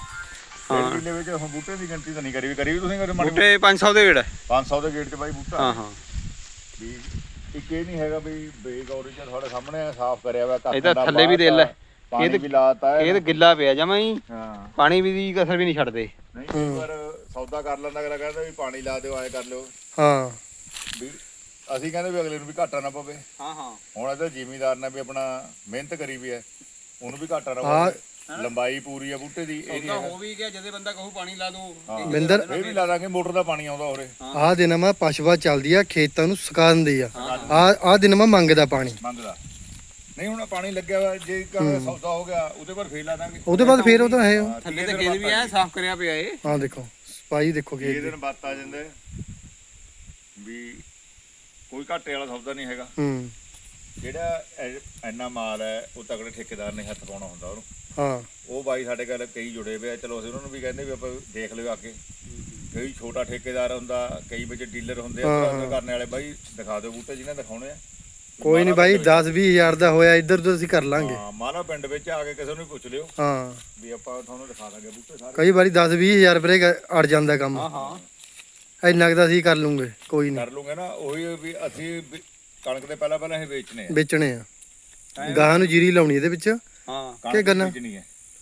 Speaker 2: ਡੇਢ ਕਿੱਲੇ ਵਿੱਚ ਹੁਣ ਬੂਟੇ ਦੀ ਗਿਣਤੀ ਤਾਂ ਨਹੀਂ ਕਰੀ ਵੀ ਕਰੀ ਵੀ ਤੁਸੀਂ ਕਰੇ ਮਾੜੀ
Speaker 5: ਬੂਟੇ ਪੰਜ ਸੌ ਦੇ ਗੇੜ
Speaker 2: ਪੰਜ ਸੌ ਦੇ ਗੇਟ 'ਚ ਬਾਈ ਬੂਟਾ
Speaker 5: ਹਾਂ ਹਾਂ।
Speaker 2: ਵੀ ਇੱਕ ਇਹ ਨਹੀਂ ਹੈਗਾ ਵੀ ਬੇਗੌਰੀ ਚ ਤੁਹਾਡੇ ਸਾਹਮਣੇ ਸਾਫ਼ ਕਰਿਆ ਹੋਇਆ
Speaker 5: ਇਹ ਤਾਂ ਥੱਲੇ ਵੀ ਦੇ ਲੈ,
Speaker 2: ਪਾਣੀ ਵੀ ਲਾਤਾ
Speaker 5: ਇਹ ਤਾਂ ਗਿੱਲਾ ਪਿਆ ਜਮਾ ਹੀ,
Speaker 2: ਹਾਂ
Speaker 5: ਪਾਣੀ ਵੀ ਦੀ ਕਸਰ ਵੀ ਨਹੀਂ ਛੱਡਦੇ।
Speaker 2: ਨਹੀਂ ਕਈ ਵਾਰ ਸੌਦਾ ਕਰ ਲੈਂਦਾ, ਅਗਲਾ ਕਹਿੰਦਾ ਵੀ ਪਾਣੀ ਲਾ ਦਿਓ ਆਏ ਕਰ ਲਿਓ
Speaker 8: ਹਾਂ
Speaker 2: ਵੀ ਅਸੀਂ ਕਹਿੰਦੇ ਵੀ ਅਗਲੇ ਨੂੰ ਵੀ ਘਾਟਾ ਨਾ ਪਵੇ।
Speaker 5: ਹਾਂ ਹਾਂ
Speaker 2: ਹੁਣ ਇਹਦਾ ਜ਼ਿਮੀਦਾਰ ਨੇ ਵੀ ਆਪਣਾ ਮਿਹਨਤ ਕਰੀ ਵੀ ਹੈ, ਉਹਨੂੰ ਵੀ ਘਾਟਾ ਨਾ
Speaker 8: ਹਾਂ।
Speaker 2: ਪਵੇ। ਲੰਬਾਈ ਪੂਰੀ ਆ ਬੂਟੇ ਦੀ, ਇਹ ਨਹੀਂ
Speaker 5: ਤਾਂ
Speaker 2: ਹੈਗਾ
Speaker 5: ਹੋ ਵੀ ਗਿਆ ਜਦੇ ਬੰਦਾ ਕਹੂ ਪਾਣੀ ਲਾ ਦੋ।
Speaker 8: ਬਿੰਦਰ
Speaker 2: ਇਹ ਵੀ ਲਾ ਦਾਂਗੇ, ਮੋਟਰ ਦਾ ਪਾਣੀ ਆਉਂਦਾ ਉਰੇ
Speaker 8: ਆਹ ਦਿਨ ਮਾ ਪਸ਼ੂਆ ਚੱਲਦੀ ਆ ਖੇਤਾਂ ਨੂੰ ਸੁਕਾ ਦਿੰਦੀ ਆ। ਆ ਆਹ ਦਿਨ ਮਾ ਮੰਗਦਾ ਪਾਣੀ।
Speaker 2: ਮੰਗਦਾ ਨਹੀਂ ਹੁਣ ਪਾਣੀ ਲੱਗਿਆ ਹੋਇਆ, ਜੇ ਕਾ ਸੌਦਾ ਹੋ ਗਿਆ ਉਹਦੇ ਬਾਅਦ ਫੇਰ ਲਾ ਦਾਂਗੇ।
Speaker 8: ਉਹਦੇ ਬਾਅਦ ਫੇਰ ਉਹ ਤਾਂ ਹੈ ਉਹ।
Speaker 5: ਥੱਲੇ ਤੇ ਖੇਤ ਵੀ ਐ ਸਾਫ਼ ਕਰਿਆ ਪਿਆ ਏ।
Speaker 8: ਆਹ ਦੇਖੋ ਸਫਾਈ ਦੇਖੋ
Speaker 2: ਇਹ
Speaker 8: ਖੇਤ ਦੀ।
Speaker 2: ਦਿਨ ਬਾਤ ਆ ਜਾਂਦੇ ਵੀ ਕੋਈ ਘਾਟੇ ਵਾਲਾ ਸੌਦਾ ਨਹੀਂ ਹੈਗਾ।
Speaker 8: ਹੂੰ
Speaker 2: ਜਿਹੜਾ ਐ- ਇੰਨਾ ਮਾਲ ਹੈ ਉਹ ਤਗੜੇ ਠੇਕੇਦਾਰ ਨੇ ਹੱਥ ਪਾਉਣਾ ਹੁੰਦਾ ਉਹਨੂੰ।
Speaker 8: ਹਾਂ
Speaker 2: ਉਹ ਬਾਈ ਸਾਡੇ ਕੋਲ ਕਈ ਜੁੜੇ ਹੋਏ ਆ, ਚਲੋ ਅਸੀਂ ਉਹਨਾਂ ਨੂੰ ਵੀ ਕਹਿੰਦੇ ਵੀ ਆਪਾਂ ਦੇਖ ਲਿਓ ਅੱਗੇ। ਕਈ ਛੋਟਾ ਠੇਕੇਦਾਰ ਹੁੰਦਾ, ਕਈ ਵਿੱਚ ਡੀਲਰ ਹੁੰਦੇ ਆ, ਉਹਨਾਂ ਕਰਨੇ ਵਾਲੇ ਬਾਈ ਦਿਖਾ ਦਿਓ ਬੂਟੇ ਜਿਹਨੇ ਦਿਖਾਉਣੇ ਆ।
Speaker 8: ਕੋਈ ਨਹੀਂ ਬਾਈ ਦਸ ਵੀਹ ਹਜ਼ਾਰ ਦਾ ਹੋਇਆ ਇੱਧਰ ਤੋਂ ਅਸੀਂ ਕਰ ਲਾਂਗੇ।
Speaker 2: ਹਾਂ ਮਾਲਾ ਪਿੰਡ ਵਿੱਚ ਆ ਕੇ ਕਿਸੇ ਨੂੰ ਵੀ ਪੁੱਛ ਲਿਓ
Speaker 8: ਹਾਂ
Speaker 2: ਵੀ ਆਪਾਂ ਤੁਹਾਨੂੰ ਦਿਖਾ ਦਾਂਗੇ ਬੂਟੇ ਸਾਰੇ।
Speaker 8: ਕਈ ਵਾਰੀ ਦਸ ਵੀਹ ਹਜ਼ਾਰ ਰੁਪਏ ਅੜ ਜਾਂਦਾ ਕੰਮ।
Speaker 5: ਹਾਂ ਹਾਂ
Speaker 8: ਇੰਨਾ ਕੁ ਤਾਂ ਅਸੀਂ ਕਰ ਲੂੰਗੇ ਕੋਈ ਨਹੀਂ।
Speaker 2: ਕਰ ਲੂਗੇ ਨਾ ਉਹੀ ਵੀ ਅਸੀਂ ਵੀ ਕਣਕ ਦੇ ਪਹਿਲਾਂ ਪਹਿਲਾਂ ਇਹ ਵੇਚਣੇ ਆ,
Speaker 8: ਵੇਚਣੇ ਆ ਗਾਹਾਂ ਨੂੰ ਜੀਰੀ ਲਾਉਣੀ ਇਹਦੇ ਵਿੱਚ।
Speaker 5: ਹਾਂ
Speaker 2: ਕਣਕ
Speaker 8: ਗੰਨਾ?
Speaker 2: ਬੀਜਣੀ ਹੈ।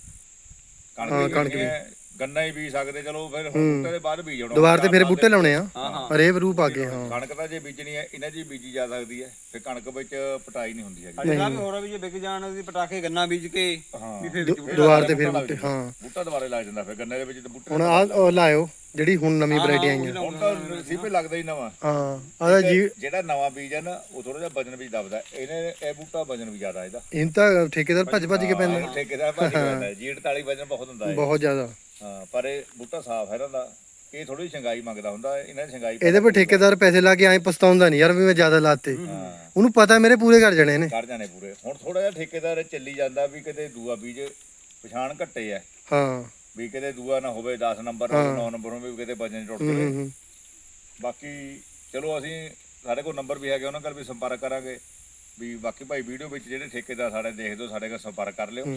Speaker 8: ਹਾਂ,
Speaker 2: ਕਣਕ
Speaker 8: ਕਣਕ
Speaker 2: ਵੀ ਗੰਨਾ ਹੀ ਬੀਜ ਸਕਦੇ, ਚਲੋ ਫਿਰ ਹੁਣ ਬੂਟੇ ਦੇ ਬਾਅਦ ਬੀਜ ਆਉਣਾ।
Speaker 8: ਦੁਬਾਰ ਤੇ ਫਿਰ ਬੂਟੇ ਲਾਉਣੇ ਆ
Speaker 5: ਹਾਂ ਹਾਂ।
Speaker 8: ਹਰੇ ਰੂਪ ਆ ਗਏ। ਹਾਂ
Speaker 2: ਕਣਕ ਤਾਂ ਜੇ ਬੀਜਣੀ ਹੈ ਇਹਨਾਂ 'ਚ ਹੀ ਬੀਜੀ ਜਾ ਸਕਦੀ ਹੈ, ਫਿਰ ਕਣਕ ਵਿੱਚ ਪਟਾਈ ਨਹੀਂ ਹੁੰਦੀ ਹੈਗੀ।
Speaker 5: ਅੱਜ ਕੱਲ੍ਹ ਹੋਰ ਵੀ ਜੇ ਵਿਕ ਜਾਣ ਉਹਦੀ ਪਟਾਕੇ ਗੰਨਾ ਬੀਜ ਕੇ
Speaker 2: ਹਾਂ
Speaker 5: ਵੀ ਫਿਰ ਵਿੱਚ ਬੂਟੇ
Speaker 8: ਦੁਬਾਰ ਤੇ ਫਿਰ ਬੂਟੇ। ਹਾਂ
Speaker 2: ਬੂਟਾ ਦੁਬਾਰੇ ਲੱਗ ਜਾਂਦਾ, ਫਿਰ ਗੰਨੇ ਦੇ ਵਿੱਚ ਤਾਂ ਬੂਟੇ
Speaker 8: ਹੁਣ ਆਹ ਲਾਇਓ ਜਿਹੜੀ ਹੁਣ ਨਵੀਂ ਵੈਰਾਈਟੀ ਆਈਆਂ।
Speaker 2: ਹੁਣ ਤਾਂ ਸੀਪੇ ਲੱਗਦਾ ਹੀ ਨਵਾਂ।
Speaker 8: ਹਾਂ ਆਦਾ ਜੀ
Speaker 2: ਜਿਹੜਾ ਨਵਾਂ ਬੀਜ ਹੈ ਨਾ ਉਹ ਥੋੜਾ ਜਿਹਾ ਵਜਨ ਵੀ ਦਬਦਾ, ਇਹਨੇ ਇਹ ਬੂਟਾ ਵਜਨ ਵੀ ਜ਼ਿਆਦਾ ਇਹਦਾ।
Speaker 8: ਇਹਨਾਂ ਤਾਂ ਠੇਕੇਦਾਰ ਭੱਜ ਭੱਜ ਕੇ ਪੈਂਦਾ
Speaker 2: ਠੇਕੇਦਾਰ ਭਾਜੀ ਪੈਂਦਾ ਜੀ, ਅੜਤਾਲੀ ਵਜਨ ਬਹੁਤ ਹੁੰਦਾ ਹੈ।
Speaker 8: ਬਹੁਤ ਜ਼ਿਆਦਾ।
Speaker 2: ਹਾਂ ਪਰ ਇਹ ਬੂਟਾ ਸਾਫ਼ ਹੈ ਇਹਨਾਂ ਦਾ, ਇਹ ਥੋੜੀ ਸ਼ੰਗਾਈ ਮੰਗਦਾ ਹੁੰਦਾ, ਇਹਨਾਂ ਦੀ ਸ਼ੰਗਾਈ
Speaker 8: ਇਹਦੇ ਪਰ ਠੇਕੇਦਾਰ ਪੈਸੇ ਲਾ ਕੇ ਐਂ ਪਛਤਾਉਂਦਾ ਨਹੀਂ ਯਾਰ ਵੀ ਮੈਂ ਜ਼ਿਆਦਾ ਲਾਤੇ। ਉਹਨੂੰ ਪਤਾ ਮੇਰੇ ਪੂਰੇ ਕਰ ਜਾਣੇ ਨੇ।
Speaker 2: ਕਰ ਜਾਣੇ ਪੂਰੇ। ਹੁਣ ਥੋੜਾ ਜਿਹਾ ਠੇਕੇਦਾਰ ਚੱਲੀ ਜਾਂਦਾ ਵੀ ਕਿਤੇ ਦੂਆ ਬੀਜ ਪਛਾਣ ਘੱਟੇ ਆ,
Speaker 8: ਹਾਂ
Speaker 2: ਵੀ ਕਿਤੇ ਦੂਆ ਨਾ ਹੋਵੇ ਦਸ ਨੰਬਰ ਨੌ ਨੰਬਰ ਹੋਵੇ, ਵੀ ਕਿਤੇ ਵਜਨ ਟੁੱਟ ਜਾਵੇ।
Speaker 8: ਹੂੰ
Speaker 2: ਬਾਕੀ ਚਲੋ ਅਸੀਂ ਸਾਡੇ ਕੋਲ ਨੰਬਰ ਵੀ ਹੈਗੇ, ਉਹਨਾਂ ਨਾਲ ਵੀ ਸੰਪਰਕ ਕਰਾਂਗੇ। ਵੀ ਬਾਕੀ ਭਾਈ ਵੀਡੀਓ ਵਿੱਚ ਜਿਹੜੇ ਠੇਕੇਦਾਰ ਸਾਡੇ ਦੇਖਦੇ ਹੋ ਸਾਡੇ ਨਾਲ ਸੰਪਰਕ ਕਰ ਲਿਓ।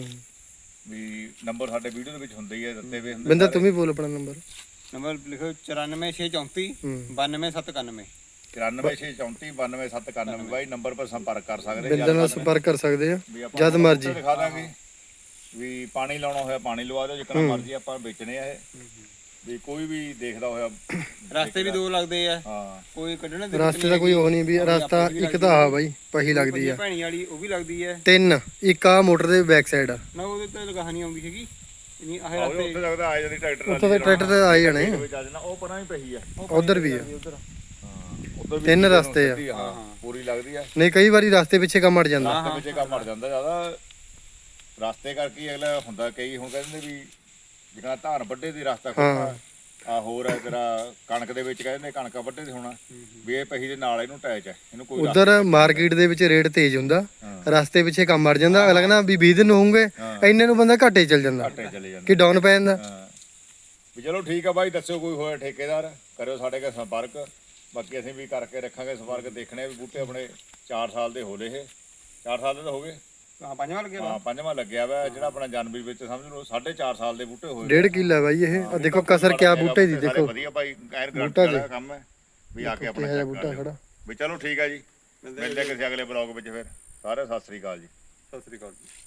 Speaker 2: ਵੀ ਨੰਬਰ ਸਾਡੇ ਵੀਡੀਓ ਦੇ ਵਿੱਚ ਹੁੰਦੇ ਹੀ ਆ, ਦਿੱਤੇ ਹੋਏ ਹੁੰਦੇ।
Speaker 8: ਬਿੰਦਰ ਤੂੰ ਵੀ ਬੋਲ ਆਪਣਾ ਨੰਬਰ।
Speaker 5: ਨੰਬਰ ਲਿਖੋ ਚੁਰਾਨਵੇਂ ਛੇ ਚੌਂਤੀ ਬਾਨਵੇਂ ਸੱਤ ਇਕਾਨਵੇਂ।
Speaker 2: ਇਕਾਨਵੇਂ ਛੇ ਚੌਂਤੀ ਬਾਨਵੇਂ ਸੱਤ ਇਕਾਨਵੇਂ ਬਾਈ ਨੰਬਰ ਪਰ ਸੰਪਰਕ ਕਰ ਸਕਦੇ।
Speaker 8: ਬਿੰਦਰ ਨਾਲ ਸੰਪਰਕ ਕਰ ਸਕਦੇ ਆ
Speaker 2: ਵੀ ਆਪਾਂ
Speaker 8: ਜਦ ਮਰਜੀ।
Speaker 2: ਦਿਖਾ ਦਾਂਗੇ ਵੀ ਪਾਣੀ ਲਾਉਣਾ ਹੋਇਆ ਪਾਣੀ ਲਵਾ ਦਿਓ, ਜਿੱਕਣਾ ਮਰਜੀ ਆਪਾਂ ਵੇਚਣੇ ਆ ਇਹ। ਵੀ ਕੋਈ ਵੀ ਦੇਖਦਾ ਹੋਇਆ
Speaker 5: ਰਸਤੇ ਵੀ ਦੋ ਲੱਗਦੇ ਆ,
Speaker 2: ਹਾਂ
Speaker 5: ਕੋਈ ਕੱਢਣੇ ਦੇ
Speaker 8: ਰਸਤੇ ਦਾ ਕੋਈ ਉਹ ਨਹੀਂ ਵੀ ਰਸਤਾ ਇੱਕ ਤਾਂ ਆ ਬਾਈ ਪਹੀ ਲੱਗਦੀ ਆ।
Speaker 5: ਭੈਣੀ ਵਾਲੀ ਉਹ ਵੀ ਲੱਗਦੀ ਹੈ।
Speaker 8: ਤਿੰਨ ਇੱਕ ਆ ਮੋਟਰ ਦੇ ਬੈਕ ਸਾਈਡ ਆ।
Speaker 5: ਨਾ ਉਹਦੇ ਤੇ ਲਗਾਹ ਨਹੀਂ ਆਉਂਦੀ ਹੈਗੀ ਨਹੀਂ ਆਹ
Speaker 2: ਉਹ
Speaker 5: ਰਸਤੇ
Speaker 2: ਉੱਥੇ ਲੱਗਦਾ ਆ ਜਾਂਦੀ ਟਰੈਕਟਰ
Speaker 8: ਉੱਥੇ ਤਾਂ ਟਰੈਕਟਰ ਤੇ ਆਏ ਜਾਣੇ।
Speaker 2: ਵਿੱਚ ਆ ਜਾਣਾ, ਉਹ ਪਰਾਂ ਹੀ ਪਈ ਆ
Speaker 8: ਉਧਰ ਵੀ ਆ।
Speaker 2: ਹਾਂ ਉਧਰ
Speaker 8: ਤਿੰਨ ਰਸਤੇ ਆ।
Speaker 2: ਹਾਂ ਪੂਰੀ ਲੱਗਦੀ ਆ।
Speaker 8: ਨਹੀਂ ਕਈ ਵਾਰੀ ਰਸਤੇ ਪਿੱਛੇ ਕੰਮ ਅੜ ਜਾਂਦਾ।
Speaker 2: ਰਸਤੇ ਪਿੱਛੇ ਕੰਮ ਅੜ ਜਾਂਦਾ ਜ਼ਿਆਦਾ ਰਸਤੇ ਕਰਕੇ ਹੀ ਅਗਲਾ ਹੁੰਦਾ। ਕਈ ਹੁਣ ਕਹਿੰਦੇ ਵੀ ਜਿਹੜਾ ਧਾਨ ਵੱਡੇ ਦੀ ਰਸਤਾ ਖੋਲ੍ਹਣਾ ਆ ਹੋਰ ਹੈ ਤੇਰਾ ਕਣਕ ਦੇ ਵਿੱਚ ਕਹਿੰਦੇ ਕਣਕਾਂ ਵੱਡੇ ਦੀ ਹੋਣਾ ਵੀ ਇਹ ਪਹੀ ਦੇ ਨਾਲ ਇਹਨੂੰ ਅਟੈਚ ਹੈ ਇਹਨੂੰ ਕੋਈ
Speaker 8: ਉਧਰ ਮਾਰਕੀਟ ਦੇ ਵਿੱਚ ਰੇਟ ਤੇਜ਼ ਹੁੰਦਾ, ਰਸਤੇ ਪਿੱਛੇ ਕੰਮ ਅੜ ਜਾਂਦਾ। ਅਗਲਾ ਕਹਿੰਦਾ ਵੀ ਵੀਹ ਦਿਨ ਹੋਣਗੇ ਇੰਨੇ ਨੂੰ ਬੰਦਾ ਘਾਟੇ ਚੱਲ ਜਾਂਦਾ,
Speaker 2: ਘਾਟੇ ਚਲੇ ਜਾਂਦਾ
Speaker 8: ਕਿ ਡਾਊਨ ਪੈ ਜਾਂਦਾ।
Speaker 2: ਵੀ ਚਲੋ ਠੀਕ ਆ ਬਾਈ, ਦੱਸਿਓ ਕੋਈ ਹੋਇਆ ਠੇਕੇਦਾਰ ਕਰਿਓ ਸਾਡੇ ਨਾਲ ਸੰਪਰਕ। ਬਾਕੀ ਅਸੀਂ ਵੀ ਕਰਕੇ ਰੱਖਾਂਗੇ ਸੰਪਰਕ। ਦੇਖਣੇ ਵੀ ਬੂਟੇ ਆਪਣੇ ਚਾਰ ਸਾਲ ਦੇ ਹੋ ਲਏ ਇਹ ਚਾਰ ਸਾਲ ਦੇ ਤਾਂ ਹੋ ਗਏ।
Speaker 7: ਹਾਂ ਪੰਜਵਾਂ ਲੱਗਿਆ
Speaker 2: ਹਾਂ ਪੰਜਵਾਂ ਲੱਗਿਆ ਵਾ ਜਿਹੜਾ ਆਪਣਾ ਜਨਵਰੀ ਵਿੱਚ ਸਮਝ ਲਓ ਸਾਢੇ ਚਾਰ ਸਾਲ ਦੇ ਬੂਟੇ ਹੋਏ।
Speaker 8: ਡੇਢ ਕਿੱਲਾ ਬਾਈ ਇਹ। ਆ ਦੇਖੋ ਕਸਰ ਕਿਆ ਬੂਟੇ ਦੀ ਦੇਖੋ।
Speaker 2: ਵਧੀਆ ਭਾਈ ਐਨ ਗਰੰਟੀ ਵਾਲਾ ਕੰਮ ਹੈ ਵੀ ਆ ਕੇ ਆਪਣਾ
Speaker 8: ਕਿਹੋ ਜਿਹਾ
Speaker 2: check
Speaker 8: ਬੂਟਾ
Speaker 2: ਕਰ ਲਿਓ।
Speaker 8: ਖੜਾ।
Speaker 2: ਵੀ ਚਲੋ ਠੀਕ ਆ ਜੀ, ਮਿਲਦੇ ਕਿਸੇ ਅਗਲੇ ਬਲੌਗ ਵਿੱਚ ਫਿਰ। ਸਾਰੇ ਸਤਿ ਸ੍ਰੀ ਅਕਾਲ ਜੀ।
Speaker 5: ਸਤਿ ਸ੍ਰੀ ਅਕਾਲ ਜੀ।